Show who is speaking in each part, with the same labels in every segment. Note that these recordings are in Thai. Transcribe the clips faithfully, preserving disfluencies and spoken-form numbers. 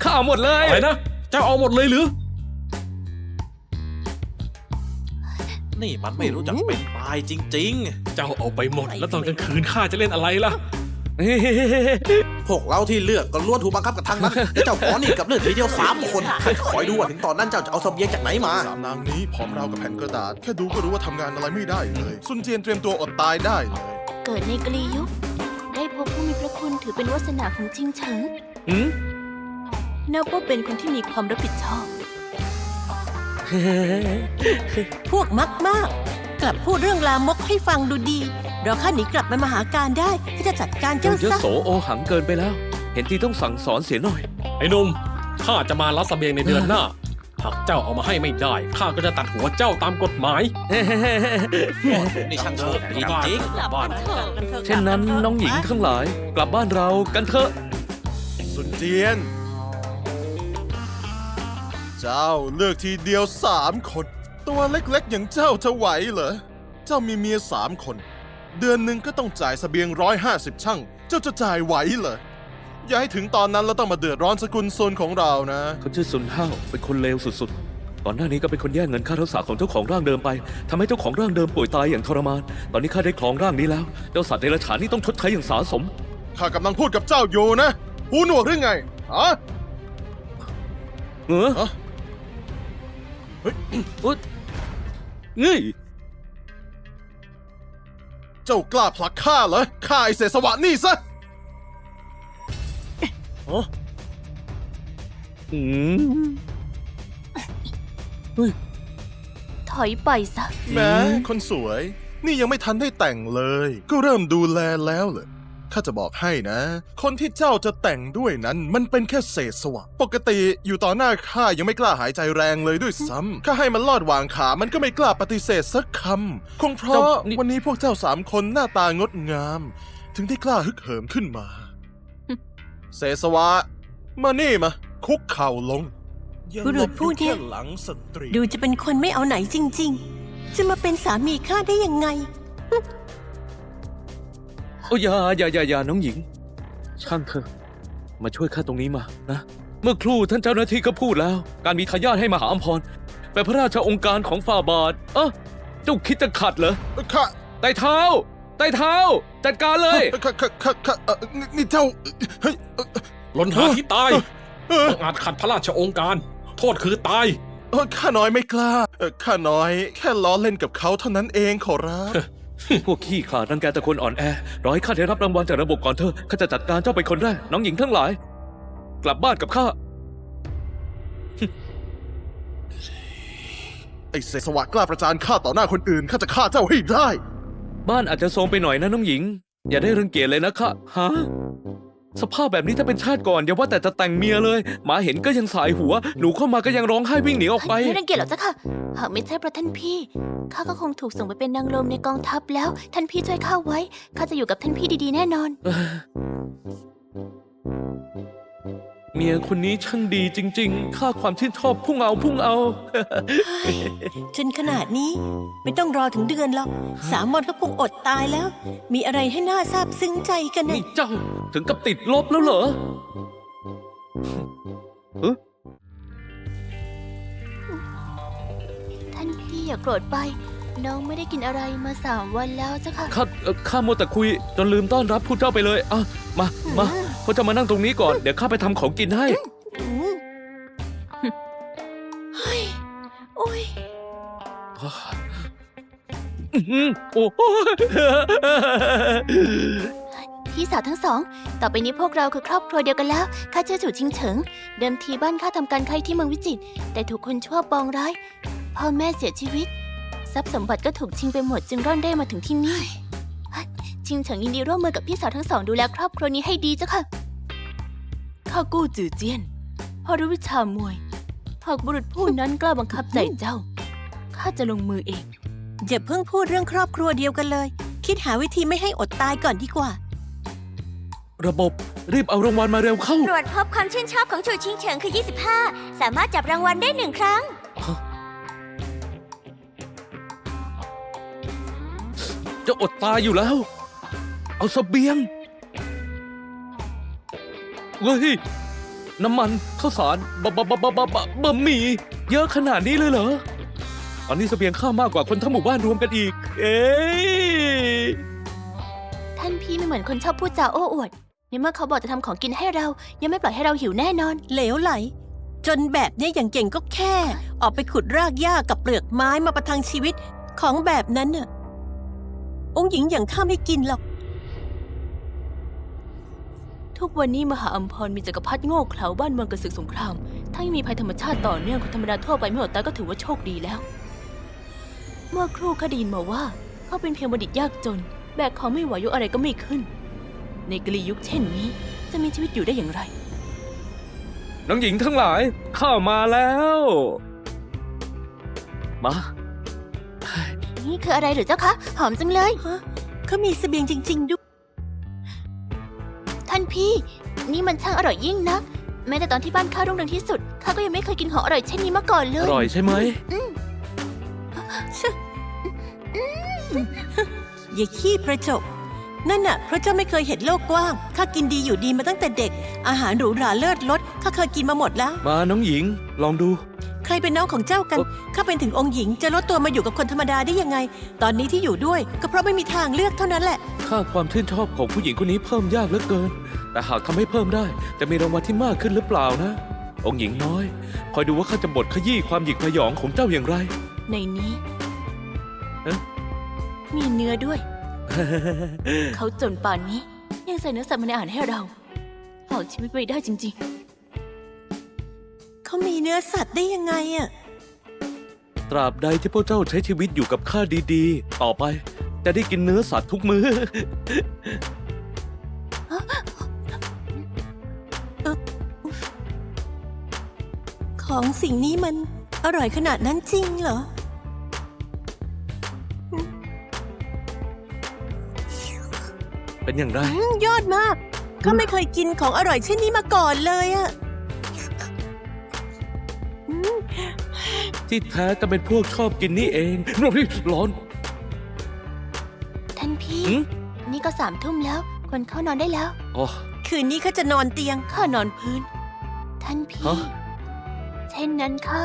Speaker 1: ข้าเอาหมดเลย
Speaker 2: อะไรนะเจ้าเอาหมดเลยหรือ
Speaker 3: นี่มันไม่รู้จักเป็นตายจริง
Speaker 2: ๆเจ้าเอาไปหมดแล้วตอนกลางคืนข้าจะเล่นอะไรล่ะ
Speaker 3: พวกเราที่เลือกก็ล้วนถูกบังคับกับทางนั้นเจ้าขอนี่กับเลือดทีเดียวสามคนคอยดูว่าถึงตอนนั้นเจ้าจะเอาเสบียงจากไหนมา
Speaker 4: สามนางนี้ผอมราวกับแผ่นกระดาษแค่ดูก็รู้ว่าทำงานอะไรไม่ได้เลยซุนเจียนเตรียมตัวอดตายได้เลย
Speaker 5: เกิดในกลียุคได้พบผู้มีพระคุณถือเป็นวาสนาของจิงเฉิง
Speaker 1: อืม
Speaker 5: นับว่าเป็นคนที่มีความรับผิดชอบ
Speaker 6: พวกมักมากกลับพูดเรื่องลามกให้ฟังดูดีเราข้าหนีกลับไปมหาการได้ที่จะจัดการเจ้าซะ
Speaker 1: เยอะโสโอหังเกินไปแล้ว เห็นที่ต้องสั่งสอนเสียหน่อย
Speaker 2: ไอ้หนุ่มข้าจะมารับเสบียงในเดือนหน้าหากเจ้าเอามาให้ไม่ได้ข้าก็จะตัดหัวเจ้าตามกฎหมาย
Speaker 3: นี่ช่างโชคดีจริงบ้าน
Speaker 1: เช่นนั้นน้องหญิงทั้งหลายกลับบ้านเรากันเถอะ
Speaker 4: ซุนเจียนเจ้าเลือกทีเดียวสามคนตัวเล็กๆอย่างเจ้าจะไหวเหรอเจ้ามีเมียสามคนเดือนหนึ่งก็ต้องจ่ายเสบียงร้อยห้าสิบช่างเจ้าจะจ่ายไหวเหรออย่าให้ถึงตอนนั้นเราต้องมาเดือดร้อนสกุลโซนของเรานะ
Speaker 1: เขาชื่อซุนห้าวเป็นคนเลวสุดๆก่อนหน้านี้ก็เป็นคนแย่งเงินค่ารักษาของเจ้าของร่างเดิมไปทำให้เจ้าของร่างเดิมป่วยตายอย่างทรมานตอนนี้ข้าได้ครองร่างนี้แล้วเจ้าสัตว์เดรัจฉานนี่ต้องชดใช้อย่างสาสม
Speaker 4: ข้ากำลังพูดกับเจ้าอยู่นะหูหนวกหรือไงฮะ
Speaker 1: เออเฮ้ยอุ๊ยนี่
Speaker 4: เจ้ากล้าผลักข้าเหรอข้าไอเสสวะนี่ซะ
Speaker 1: อืมเฮ้ย
Speaker 5: ถอยไปซะ
Speaker 4: แม้คนสวยนี่ยังไม่ทันได้แต่งเลยก็เริ่มดูแลแล้วเหรอข้าจะบอกให้นะคนที่เจ้าจะแต่งด้วยนั้นมันเป็นแค่เศษสวะปกติอยู่ต่อหน้าข้ายังไม่กล้าหายใจแรงเลยด้วยซ้ำข้าให้มันลอดวางขามันก็ไม่กล้าปฏิเสธสักคำคงเพราะวันนี้พวกเจ้าสามคนหน้าตางดงามถึงได้กล้าฮึกเหิมขึ้นมาเศษสวะมานี่มาคุกเข่าลง
Speaker 6: บุรุษผู้นี้ดูจะเป็นคนไม่เอาไหนจริงๆจะมาเป็นสามีข้าได้ยังไง
Speaker 1: โอ้ยอย่าอย่าอย่าอย่าน้องหญิงช่างเถอะมาช่วยข้าตรงนี้มานะเมื่อครู่ท่านเจ้าหน้าที่ก็พูดแล้วการมีทายาทให้มหาอัมพรเป็นพระราชองค์การของฝ่าบาทเอ้อเจ้าคิดจะขัดเหรอ
Speaker 4: ข้า
Speaker 1: ไต่เท้าไต่เท้าจัดการเลย
Speaker 4: ข้าข้าข้าข้านี่เจ้าเฮ้ย
Speaker 2: หล่นหาที่ตายต้องอาจขัดพระราชองค์การโทษคือตาย
Speaker 4: ข้าน้อยไม่กล้าข้าน้อยแค่ล้อเล่นกับเขาเท่านั้นเองขอรับ
Speaker 1: พวกขี้ขลาดรังแกแต่คนอ่อนแอรอให้ข้าได้รับรางวัลจากระบบก่อนเถอะข้าจะจัดการเจ้าเป็นคนแรกน้องหญิงทั้งหลายกลับบ้านกับข้า
Speaker 4: ไอ้เสสวะกล้าประจานข้าต่อหน้าคนอื่นข้าจะฆ่าเจ้าให้ได้
Speaker 1: บ้านอาจจะโทรมไปหน่อยนะน้องหญิงอย่าได้รังเกียจเลยนะข้าฮะสภาพแบบนี้ถ้าเป็นชาติก่อนอย่าว่าแต่จะแต่งเมียเลยหมาเห็นก็ยังสายหัวหนูเข้ามาก็ยังร้องไห้วิ่งหนีออกไป
Speaker 5: ไม่รังเกียจหรอกจ้ะค่ะหากไม่ใช่เพราะท่านพี่ข้าก็คงถูกส่งไปเป็นนางลมในกองทัพแล้วท่านพี่ช่วยข้าไว้ข้าจะอยู่กับท่านพี่ดีๆแน่นอน
Speaker 1: เมียคนนี้ช่างดีจริงๆข้าความชื่นชอบพุ่งเอาพุ่งเอา
Speaker 6: จนขนาดนี้ไม่ต้องรอถึงเดือนหรอกสามวันก็คงอดตายแล้วมีอะไรให้น่าซาบซึ้งใจกันนะ
Speaker 1: นี่เจ้าถึงกับติดลบแล้วเหรอ
Speaker 5: ท่านพี่อย่าโกรธไปน้องไม่ได้กินอะไรมาสามวันแล้วจ้ะค่ะ
Speaker 1: ข้าข้ามัวแต่คุยจนลืมต้อนรับผู้เจ้าไปเลยอ่ะมามาพวกเจ้ามานั่งตรงนี้ก่อนเดี๋ยวข้าไปทำของกินให้
Speaker 5: เฮ้ยโอ้ย
Speaker 1: โอ้
Speaker 5: พี่สาวทั้งสองต่อไปนี้พวกเราคือครอบครัวเดียวกันแล้วข้าชื่อจู่ชิงเฉิงเดิมทีบ้านข้าทำการค้าที่เมืองวิจิตรแต่ถูกคนชั่วปองร้ายพ่อแม่เสียชีวิตทรัพย์สมบัติก็ถูกชิงไปหมดจึงร่อนเร่มาถึงที่นี่ชิงเฉิงยินดีร่วมมือกับพี่สาวทั้งสองดูแลครอบครัวนี้ให้ดีเจ้าค่ะข้ากู้จื่อเจี้ยนพอรู้วิชามวยหากบุรุษผู้นั้นกล้าบังคับใจเจ้าข้าจะลงมือเอง
Speaker 6: อย่าเพิ่งพูดเรื่องครอบครัวเดียวกันเลยคิดหาวิธีไม่ให้อดตายก่อนดีกว่า
Speaker 1: ระบบรีบเอารางวัลมาเร็วเข้า
Speaker 7: ตรวจพบความชื่นชอบของจู่ชิงเฉิงคือยี่สิบห้าสามารถจับรางวัลได้หนึ่งครั้ง
Speaker 1: จะอดตายอยู่แล้วเอาเสบียงเฮ้ยน้ำมันข้าวสารบะบะบะบะบะบะบะหมี่เยอะขนาดนี้เลยเหรอตอนนี้เสบียงข้ามากกว่าคนทั้งหมู่บ้านรวมกันอีก เอ๊ะ
Speaker 5: ท่านพี่ไม่เหมือนคนชอบพูดจาโอ้อวดในเมื่อเขาบอกจะทำของกินให้เรา ยังไม่ปล่อยให้เราหิวแน่นอน
Speaker 6: เหลวไหล จนแบบเนี้ยอย่างเก่งก็แค่ ออกไปขุดรากหญ้ากับเปลือกไม้มาประทังชีวิตของแบบนั้นน่ะองค์หญิงอย่างข้าไม่กินหรอก
Speaker 5: ทุกวันนี้มหาอัมพรมีจักรพรรดิโง่เขลาบ้านเมืองกระสึกสงครามถ้าไม่มีภัยธรรมชาติต่อเนื่องคนธรรมดาทั่วไปไม่อดตายก็ถือว่าโชคดีแล้ว เมื่อครู่ข้าได้ยินมาว่าเขาเป็นเพียงบัณฑิตยากจน แบกของไม่ไหวยกอะไรก็ไม่ขึ้น ในกลียุคเช่นนี้จะมีชีวิตอยู่ได้อย่างไร
Speaker 1: น้องหญิงทั้งหลายข้ามาแล้ว มา
Speaker 5: นี่คืออะไรหรือเจ้าคะ หอมจังเลย
Speaker 6: ฮะเขามีเสบียงจริง ๆ ด้วย
Speaker 5: ท่านพี่ นี่มันช่างอร่อยยิ่งนัก แม้แต่ตอนที่บ้านข้ารุ่งเรืองที่สุดข้าก็ยังไม่เคยกินของอร่อยเช่นนี้มาก่อนเล
Speaker 1: อย ร่อยใช่ไหม
Speaker 6: อย่าขี้ประจบ นั่นน่ะเพราะเจ้าไม่เคยเห็นโลกกว้าง ข้ากินดีอยู่ดีมาตั้งแต่เด็ก อาหารหรูหราเลิศรสข้าเคยกินมาหมดแล้ว
Speaker 1: มาน้องหญิงลองดู
Speaker 6: ใครเป็นน้องของเจ้ากัน
Speaker 1: เอ่อ
Speaker 6: ข้าเป็นถึงองค์หญิงจะลดตัวมาอยู่กับคนธรรมดาได้ยังไง ตอนนี้ที่อยู่ด้วยก็เพราะไม่มีทางเลือกเท่านั้นแหละ
Speaker 1: ค่าความชื่นชอบของผู้หญิงคนนี้เพิ่มยากเหลือเกิน แต่หากทำให้เพิ่มได้ จะมีรางวัลที่มากขึ้นหรือเปล่านะ องค์หญิงน้อย คอยดูว่าข้าจะบดขยี้ความหยิกพยองของเจ้าอย่างไร
Speaker 5: ในนี้
Speaker 1: เอ๊ะ
Speaker 5: มีเนื้อด้วย เขาจนป่านนี้ ยังใส่เนื้อสัตว์มาในอาหารให้เราฝากชีวิตไว้ได้จริง
Speaker 6: เขามีเนื้อสัตว์ได้ยังไงอะ
Speaker 1: ตราบใดที่พวกเจ้าใช้ชีวิตอยู่กับข้าดีๆ ต่อไป จะได้กินเนื้อสัตว์ทุกมื้อ
Speaker 6: ของสิ่งนี้มันอร่อยขนาดนั้นจริงเหรอ
Speaker 1: เป็นอย่างไร
Speaker 6: อืมยอดมากก็ไม่เคยกินของอร่อยเช่นนี้มาก่อนเลยอะอืม
Speaker 1: ที่แท้ก็เป็นพวกชอบกินนี่เองร้อน
Speaker 5: ๆ ท่านพี่
Speaker 1: หืม
Speaker 5: นี่ก็สามทุ่มแล้ว ควรเข้านอนได้แล้ว
Speaker 1: อ๋อ
Speaker 6: คืนนี้เขาจะนอนเตียง
Speaker 5: ข้านอนพื้น ท่านพี่
Speaker 1: ฮะ
Speaker 5: เช่นนั้นข้า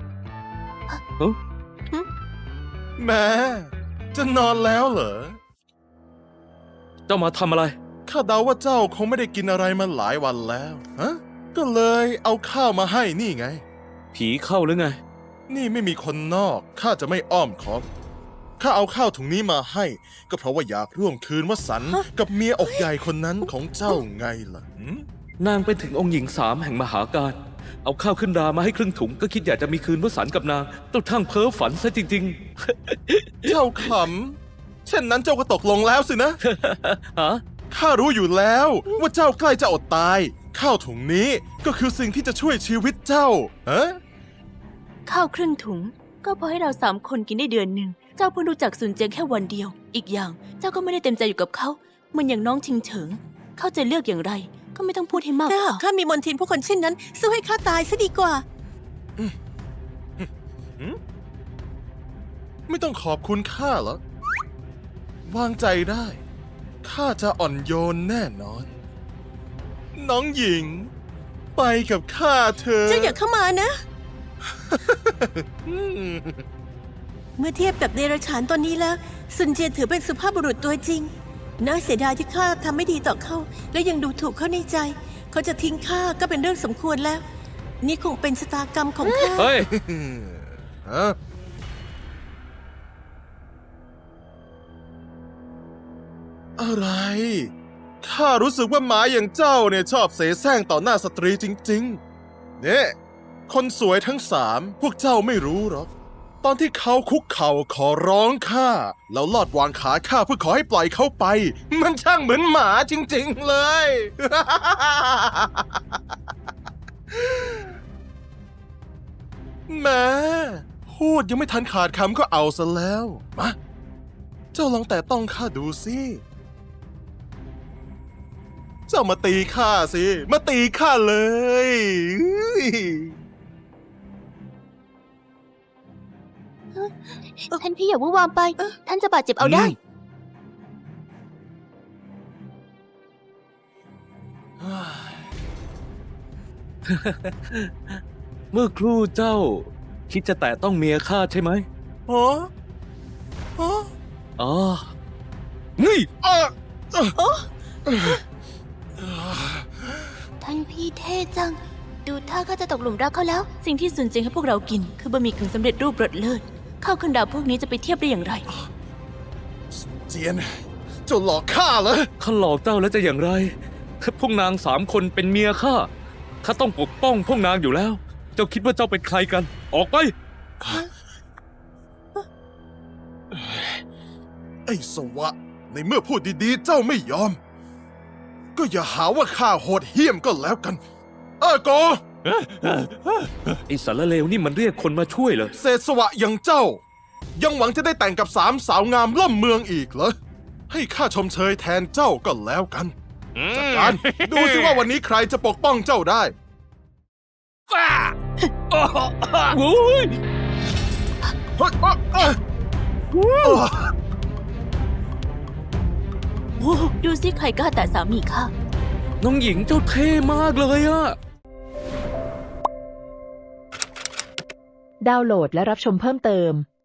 Speaker 4: แม่จะนอนแล้วเหรอ
Speaker 1: เจ้ามาทำอะไร
Speaker 4: ข้าเดาว่าเจ้าคงไม่ได้กินอะไรมาหลายวันแล้ว ฮะ ก็เลยเอาข้าวมาให้นี่ไง
Speaker 1: ผีเข้าหรือไง
Speaker 4: นี่ไม่มีคนนอก ข้าจะไม่อ้อมค้อม ข้าเอาข้าวถุงนี้มาให้ ก็เพราะว่าอยากร่วมคืนวสันต์กับเมียอกใหญ่คนนั้นของเจ้าไงล่ะหืม
Speaker 1: นางเป็นถึงองค์หญิงสามแห่งมหาการ เอาข้าวขึ้นรามาให้ครึ่งถุง ก็คิดอยากจะมีคืนวสันต์กับนางต้องทั้งเพ้อฝันซะจริง
Speaker 4: เจ้าขำ เช่นนั้นเจ้าก็ตกลงแล้วสินะ
Speaker 1: ๆ ฮะ
Speaker 4: ข้ารู้อยู่แล้วว่าเจ้าใกล้จะอดตาย ข้าวถุงนี้ก็คือสิ่งที่จะช่วยชีวิตเจ้า ฮะ
Speaker 5: ข้าวครึ่งถุง ก็พอให้เราสามคนกินได้เดือนหนึ่ง เจ้าเพิ่งรู้จักซุนเจียงแค่วันเดียว อีกอย่าง เจ้าก็ไม่ได้เต็มใจอยู่กับเขาเหมือนอย่างน้องชิงเฉิง เขาจะเลือกอย่างไร ก็ไม่ต้องพูดให้มาก
Speaker 6: ถ้า
Speaker 5: พ
Speaker 6: หา
Speaker 5: อก
Speaker 6: ข้ามีมนทินผู้คนเช่นนั้น สู้ให้ข้าตายซะดีกว่า
Speaker 4: ไม่ต้องขอบคุณข้าเหรอ วางใจได้ ข้าจะอ่อนโยนแน่นอน น้องหญิง ไปกับข้าเถอะ
Speaker 6: เจ้าอย่าเข้ามานะ
Speaker 4: อืม
Speaker 6: เมื่อเทียบกับเดรัจฉานตอนนี้แล้วซุนเจียนถือเป็นสุภาพบุรุษตัวจริง น่าเสียดายที่ข้าทำไม่ดีต่อเขา และยังดูถูกเขาในใจ เขาจะทิ้งข้าก็เป็นเรื่องสมควรแล้ว นี่คงเป็นชะตากรรมของข้า
Speaker 1: เฮ้ย
Speaker 4: ฮะอะไร ข้ารู้สึกว่าหมาอย่างเจ้าเนี่ยชอบเสแสร้งต่อหน้าสตรีจริงๆ เนี่ย คนสวยทั้งสามพวกเจ้าไม่รู้หรอก ตอนที่เขาคุกเข่าขอร้องข้า แล้วลอดวางขาข้าเพื่อขอให้ปล่อยเขาไป มันช่างเหมือนหมาจริงๆเลย แหม่พูดยังไม่ทันขาดคำก็เอาซะแล้ว มา เจ้าลองแต่ต้องข้าดูสิ เจ้ามาตีข้าสิ มาตีข้าเลย
Speaker 5: ท่านพี่อย่าวุ่นวามไป ท่านจะบาดเจ็บเอาได้
Speaker 1: อเมื่อครู่เจ้า คิดจะแตะต้องเมียข้าใช่ไหม
Speaker 4: ฮะฮะ
Speaker 1: อ๋อ นี่
Speaker 4: อ่ะ
Speaker 5: ท่านพี่เท่จัง ดูท่าข้าจะตกหลุมรักเขาแล้ว สิ่งที่สุนเจียงให้พวกเรากิน คือบะหมี่กึ่งสำเร็จรูปรสเลิศข้าวขึ้นดาวพวกนี้จะไปเทียบได้อย่างไร
Speaker 4: เจียน เจ้าหลอกข้าเหรอ
Speaker 1: ข้าหลอกเจ้าแล้วจะอย่างไรพวกนางสามคนเป็นเมียข้า ข้าต้องปกป้องพวกนางอยู่แล้ว เจ้าคิดว่าเจ้าเป็นใครกัน ออกไป
Speaker 4: ไอ้สวะ ในเมื่อพูดดีๆ เจ้าไม่ยอม ก็อย่าหาว่าข้าโหดเหี้ยมก็แล้วกัน เออโก
Speaker 1: ไอ้สารเลวนี่มันเรียกคนมาช่วยเหรอ
Speaker 4: เศษสวะอย่างเจ้า ยังหวังจะได้แต่งกับสามสาวงามล่ำเมืองอีกเหรอ ให้ข้าชมเชยแทนเจ้าก็แล้วกัน จัดการ ดูสิว่าวันนี้ใครจะปกป้องเจ้าได้
Speaker 1: โอ้ย
Speaker 4: เฮ้ยอ่ะอ่ะอ่ะ
Speaker 5: โอ้ดูสิใครกล้าแต่สามีข้า
Speaker 1: น้องหญิงเจ้าเท่มากเลยอะ
Speaker 8: ดาวน์โหลดและรับชมเพิ่มเติม